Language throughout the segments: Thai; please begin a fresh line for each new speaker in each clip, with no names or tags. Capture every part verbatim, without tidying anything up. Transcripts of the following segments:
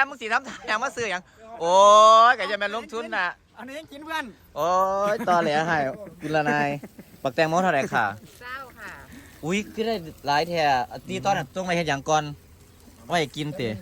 มึงสีน้ำตาอย่างมาซื้ออย่างโอ้ยแกจะเป็นลงทุนน่ะ
อันนี้ยังกินเพื่อน
โอ้ยตอแหลให้กุลนายปักแตงโมเท่าไหร่ค่ะ
เศร้าค่ะ
อุ้ยก็ได้หลายแท่ตีตอนนั้นต้องไปเห็นอย่างก่อนว่าอยากกินเตะ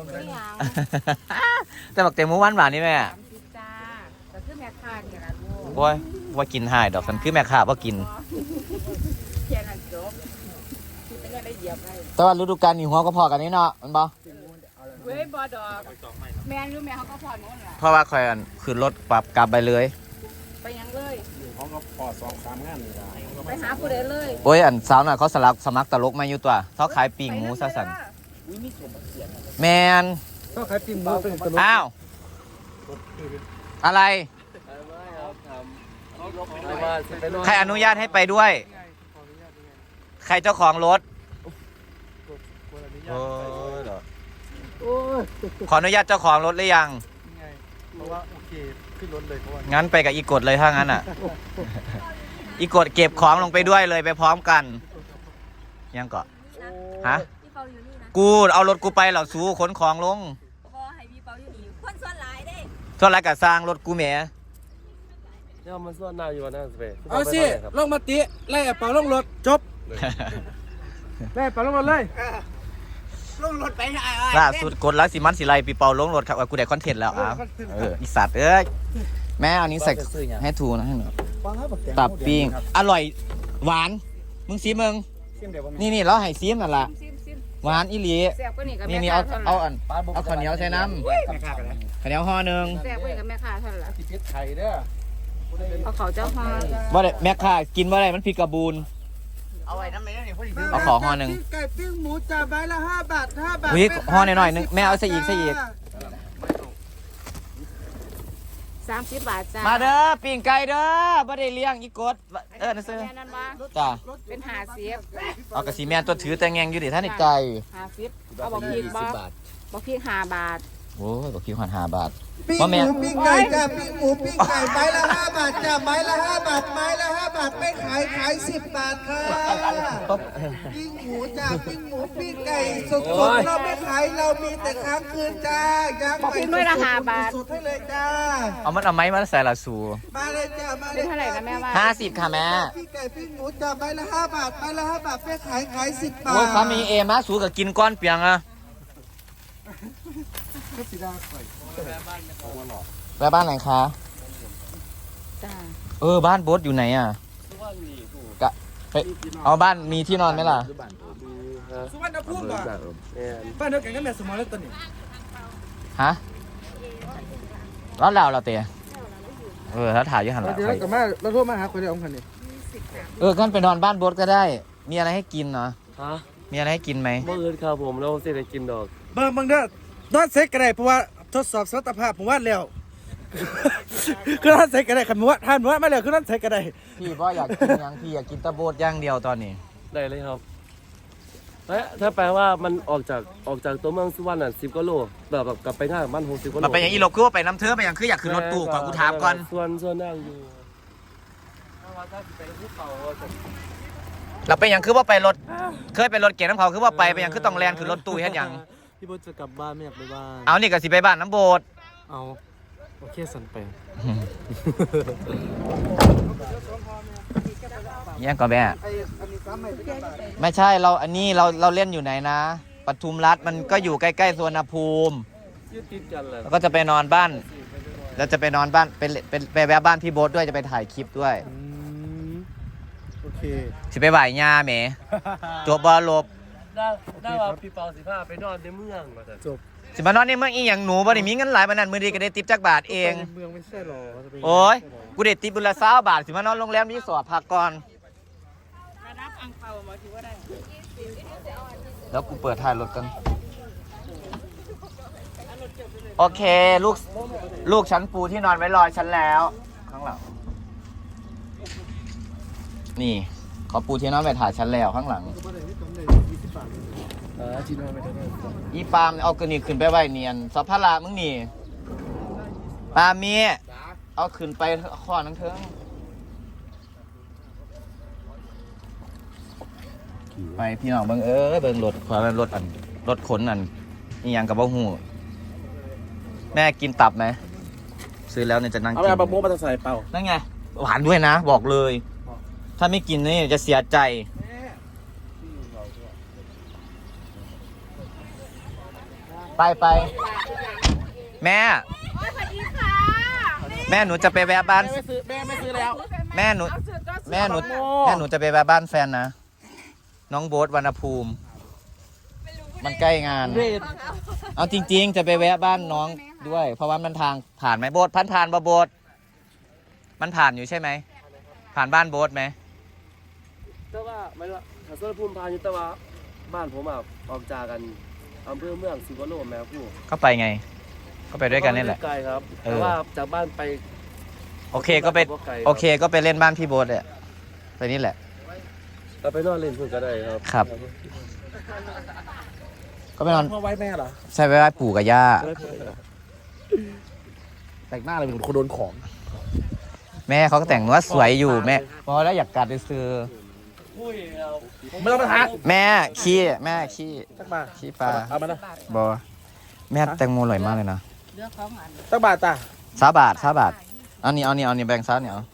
แต่ปักแตงโมหวานหวานนี่แม่
สามสิบจ้าแต่คือแม่ค้าเนี่ยนะลูก
โอ้ยว่ากินหายดอกกันคือแม่ค้าว่ากิน
เพียงนั้นจบคือเป็นอะไรเหยียบไป
แต่ว่าฤดูกาลนี่หัวก็พอกันนี่เนาะมันบ่
เว้ยบอดอกแม่รู้แม่เขาก็พอนู้นแหละ
เพราะว่าคอยขึ้นรถปรับกลับไปเลย
ไปยังเลย
เขาก็พอสองสามงานเลย
ไปหาผู้ใดเลย
โอ้ยอันสาวน่ะเขาสลักสมัครตลกมาอยู่ตัวเขาขายปิ้งหมูซะสั่นแมน
เขาขายปิ้งหมูเป็นตลก
อ้าวอะไรใครอนุญาตให้ไปด้วยใครเจ้าของรถขออนุญาตเจ้าของรถหรือยัง
เพราะว่าโอเคขึ้นรถเลยเพราะว่า
งั้นไปกับอีกดเลยถ้างั้นอ่ะอีกดเก็บของลงไปด้วยเลยไปพร้อมกันยังเกาะฮะกูเอารถกูไปเหล่าสู้ขนของลงส่วนไรกับสร้างรถกูแหม
เนี่ยมันส่วนหน้าอยู่วันนั้นสิ
เอาสิลงมาติไล่เป่าลงรถจบไล่เป่าลงรถเลยลงรถไปไหน
ล่าสุดกดแล้วสิมันสิไลปีเปาลงรถครับกูได้คอนเทนต์แล้วอ่ะเอออีสัตว์เอ้ยแม่เอานี้ใส่ให้ทูนะให้หน่อยตับปิ้งอร่อยหวานมึงซีมึงนี่นี่เราให้ซีมนั่นแหละหวานอีหลีนี่นี่เอาเอาอันเอาข้าวเหนียวใส่น้ำข้าวเหนียวห่อหนึ่ง
แซ่บไปกับแม่ค้าเท่าไหร่
ติดไข่เด้อ
เอาเขาเจ้าห่อ
ว่าแม่ค้ากินว่าอะไรมันผิดกระบูน
เอาไว้น้ำไม่ได้เนี่ยพอดี
เอาขอห่อหนึ่ง
ไก่ปิ้งหมูจ่าใบละห้าบาทห้าบาท
วิห่อหน่อยๆนึงแม่เอาใส่อีกใส่อีก
สามสิบบาทจ้า
มาเด้อปิ้งไก่เด้อบ่ได้เลี้ยงอีกดเออนั่นซื้อจ้า
เป็นหาเสียบ
เอากระสีแมนตัวถือแต่งแงงอยู่ดิท่านอีกไก่
หาสิบเอาบอกพีกบ่บอกพีกห้าบาท
โอ้ยบอกพีกห้าบาท
ปิ้งหมูปิ้งไก่จ้าปิ้งหมูปิ้งไก่ไม้ละห้าบาทจ้าไม้ละห้าบาทไม้ละห้าบาทไม่ขายขายสิบบาทค่ะปิ้งหมูจ้าปิ้งหมูปิ้งไก่สดๆเราไม่ขายเรามีแต่ค้างคืนจ้าย่าง
บอกพีกด้วยละห้าบาท
สุดให้เลยจ้า
เอามันเอาไม้มาใส่ละสู
มาเลยจ้ามา
เลยเท่าไหร่นะแม่ว่า
ห้าสิบค่ะแม่
ปิ้งไก่ปิ้งหมูจ้าไม้ละห้าบาทไม้ละห้าบาทไม่ขายขายสิบบาท
โอ้ยสามีเอมาสูกับกินก้อนเปียงอะแล้วบ้านไหนคะ
จ้า
เออบ้านโบ๊ทอยู่ไหนอ่ะกะไปเอาบ้านมีที่นอนไหมล่ะ
สุวรรณภูมิป่ะบ้านเดียวกันก็แม่สมอลแล้วตอนนี้
ฮะแล้วเราเราเตะเออถ้าถ่ายอยู่หันหลัง
เดี๋ยวกับแม่เราโทรมาหาคนเดียวองค์คันนี้
เออกันไปนอนบ้านโบ๊ทก็ได้มีอะไรให้กินเนาะ
ฮะ
มีอะไรให้กินไหม
เมื่อคืนครับผมเราเสร็จได้กินดอก
เบิ่งเบิ่งเด้อดอดเซ็กก็ได้เพราะว่าทดสอบสมรรถภาพผมว่าแล้วคือท่านเซ็กก็ได้ขันมัวท่านมัวมาแล้วคือท่านเซ็กก็ได้
พี่ว่าอยากกินยังพี่อยากกินตะโบดย่างเดียวตอนนี้
ได้เลยครับเฮ้ยถ้าแปลว่ามันออกจากออกจากตัวเมืองสุวรรณอ่ะสิบกิโลแบบแบบกลับไปหน้าบ้านหกสิบกิโล
มันไปอย่างอีหลบคือว่าไปน้ำเทือไปอย่างคืออยากขึ้นรถตู้ก่อนกูถามก่อน
ส่วนส่วนนั่งอยู่
เราไปอย่างคือว่าไปรถเคยไปรถเก๋งน้ำเขาคือว่าไปไปอย่างคือต้องแลนขึ้นรถตู้เฮ็ดอย่าง
พี่โบ๊ทจะกลับบ้านไม่อยากไปบ้าน
เอานี่ก็สิไปบ้านน้ำโบด
เอาโอเคสันไป
ยังก่อนแม่ไม่ใช่เราอันนี้เราเราเล่นอยู่ไหนนะปทุมรัฐมันก็อยู่ใกล้ๆสวนภูมิแล้วก็จะไปนอนบ้านแล้วจะไปนอนบ้านเป็นเป็นไปแวะบ้านพี่โบ๊ทด้วยจะไปถ่ายคลิปด้วย
โอเค
สิไปบ่ายยาแหมจบบอลลบ
ได้ได้ว่าพี่เปาสิพาไปนอนในเมืองมา
จบ
สิมานอนในเมืองอีหยังหนูบ่ได้มีเงินหลายปานนั้นมื้อนี้ก็ได้ติปจักบาทเอง
เมืองไม่ใช่หรอ
โอ้ยกูได้ติปบุญละยี่สิบบาทสิมานอนโรงแรมรีสอร์ทพักก่อน
รับอังเปามาถือว่าได้
แล้วกูเปิดถ่ายรถกันโอเคลูกลูกฉันปูที่นอนไว้รอฉันแล้วข้างหลังนี่เขาปูที่นอนไปถ่ายฉันแล้วข้างหลังอีปามเอากระนี่ขึ้นไปไว้เนียนสัพพะละมึงนี่ปาเมียเอาขึ้นไปข้อนังเถิงไปพี่น้องเบิ่งเออเบิ่งรถความรถอันรถขนอันนี่ยังกับบ่หูแม่กินตับไหมซื้อแล้วเนี่ยจะนั่ง
เอา
กิ
ไป
น
เอาปลาโมมาใส่เปล่า
นั่นไงหวานด้วยนะ บอกเลย ถ้าไม่กินนี่จะเสียใจ ไปไปแม่
โอ้ยสวัสดีค่ะ
แม่หนูจะไปแวะบ้าน
ไม่ซื้อแม่ไม่ซื้อแล้ว
แม่หนู
เอาสุดก็สุด
แม่หนู
โอ้
แม่หนูจะไปแวะบ้านแฟนนะ น้องโบ๊ทวรรณภูมิ มันใกล้งาน
เรด
เอาจริง ๆ จะไปแวะบ้านน้องด้วย เพราะว่ามันทางผ่านไหมโบ๊ทพันผ่านบ่โบ๊ทมันผ่านอยู่ใช่ไหม ผ่านบ้านโบ๊ทไหม
แต่ว่าไม่ว่าถ้าส่วนภูมิพายุแต่ว่าบ้านผมอ่ะออกจากกันอำเภอเมืองสิบกว่าโลแม่ผู้
ก็ไปไง ก็ไปด้วยกันนี่แหละ
ไกลครับ
เออ
แต่ว่าจากบ้านไป
โอเคก็ไปโอเคก็ไปเล่นบ้านพี่โบ๊ทเลยไปนี่แหละ
เราไปนอนเล่นพุ่นก็ได้ครับ
ครับ ก็ไปนอน
พ่อไว้แม่เหรอ
ใช่ไปไหว้ปู่กับย่า
แต่งหน้าเลยเป็นคนโดนของ
แม่เขาก็แต่งว่าสวยอยู่แม่พอแล้วอยากกัดไปซื้อ
ไม่ต้องมาทัก
แม่ขี้แม่ขี้
ตักบาท
ขี้ปลา
เอามานะ
บอแม่แตงโมอร่อยมากเลยนะ
เลือกของอัน
ตักบาทจ้ะ
สาบาทสาบาทเอานี่เอานี่เอานี่แบงค์ซาเนี่ยเอา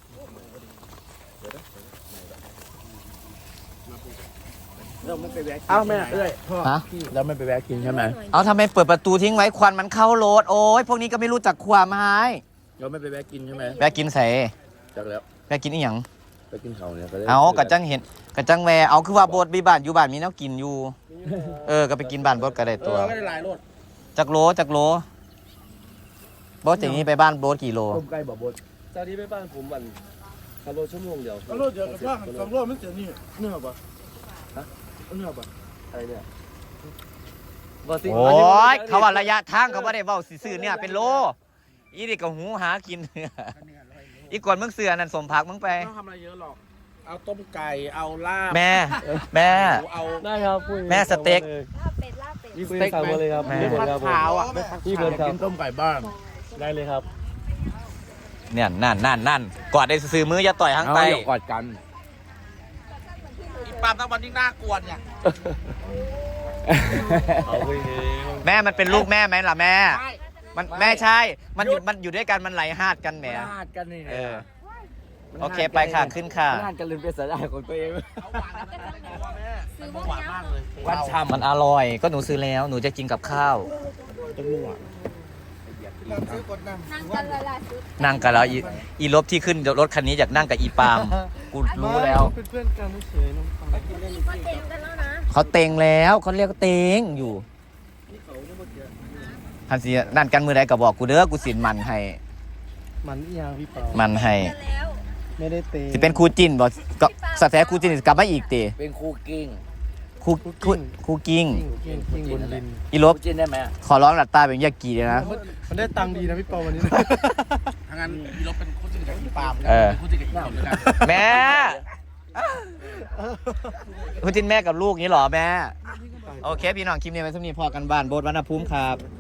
เอาแม่เอ้ย
ฮะ
แล้วไม่ไปแวะกินใช่ไหม
เอาทำไมเปิดประตูทิ้งไว้ควันมันเข้ารถโอ้ยพวกนี้ก็ไม่รู้จักความหาย
เราไม่ไปแวะกินใช่ไหม
แวะกินใส่
จากแล้ว
แวะกินอีหยัง
ไปกินเขาเนี่ยก็ได้
เอากระจังเห็นกระจังแวเอาคือว่าโบสมีบ้านอยู่บ้านมีแนวกินอยู่ เออก็ไปกินบ้านโบสก็ได้
เอ
ตัว
อก็ได้หลายรถ
จักโลจักโลโบสอย่างนี้ไปบ้านโบสกี่โล
ต้มไก่บ่บดจากนี้ไปบ้านผมวันขับรถชั่วโมงเดียว
เอารถเดี๋ยวกับว่าสองรถมันเสียนี่เนื้อปะฮะเนื้อปะ
อะไรเนี่ย
โอ้ยเขาว่าระยะทางเขาว่าได้เว้าซื่อๆเนี่ยเป็นโลอีนี่ก็หูหากิน อีกก่อนมึงเสือนั่นสมพักมึงไป
ไม่ต้องทำอะไรเยอะหรอก เอาต้มไก่ เอาลาบ
แม่ แม่
เอา
ได้ครับพูด
แม่สเต็ก
ลาบเป็ดลาบเป็ด
มีสเต็กสั่งมาเลยครับ
แม่
มีหมดครับผม
ขาวอ่ะ
พี่เบิร์ดครับ
กินต้มไก่บ้าน
ได้เลยครับ
เนี่ยนั่นนั่นนั่นกอดได้ซื้อมืออย่าต่อยทั้งไป
กอดกัน
อีปามตะวันยิ่งน่ากวนเนี่ย
เอาไปเอง
แม่มันเป็นลูกแม่ไหมล่ะแม่ มันแม่ใช่ มันอยู่มันอยู่ด้วยกันมันไหลหาดกันแหม
พลาดกันนี่
เออ โอเคไปค่ะขึ้นค่ะ
พลาดกันลืมเป็นสาหร่ายของตัวเอง
ซื้อพวกนี้
วันช้ำ
มันอร่อยก็หนูซื้อแล้วหนูจะกินกับข้าว
นั่งกันเลยล่ะชุด
นั่งกับเราอีอีรถที่ขึ้นรถคันนี้อยากนั่งกับอีปาล์มกูรู้แล้ว
เป็นเพื่อนกันเฉยๆน้องฟัง
นี่ก็เต็มกันแล้วนะ
เขาเต็งแล้วเขาเรียกว่าเต็งอยู่ทันทีนั่นกันมือใดก็บอกกูเด้อกูสินมันให้
มันอีหยังพี่เปา
มันให้
กันแล้ว
ไม่ได้เตะ
สิเป็นครูจินบอกก็สแท้ครูจินกลับมาอีกตี
เป็นครูกิ้ง
ครูครูครูกิ้ง
กิ้งกิ้งบนดิน
อีลบ
ครูจินได้ไหม
ขอร้องหลัดตาเป็นยากีเลยนะ
มันได้ตังค์ดีนะพี่เปาวันนี้ทางนั้นมีรถเป็นคู่จิ้นกับอีปาม
เออ
คู่จิ้นกับอีปามด้วยกัน
แม่ครูจินแม่กับลูกนี้เหรอแม่ โอเค พี่น้องคลิปนี้ไว้สำนีพอกันบ้านโบสถ์วรรณภูมิครับ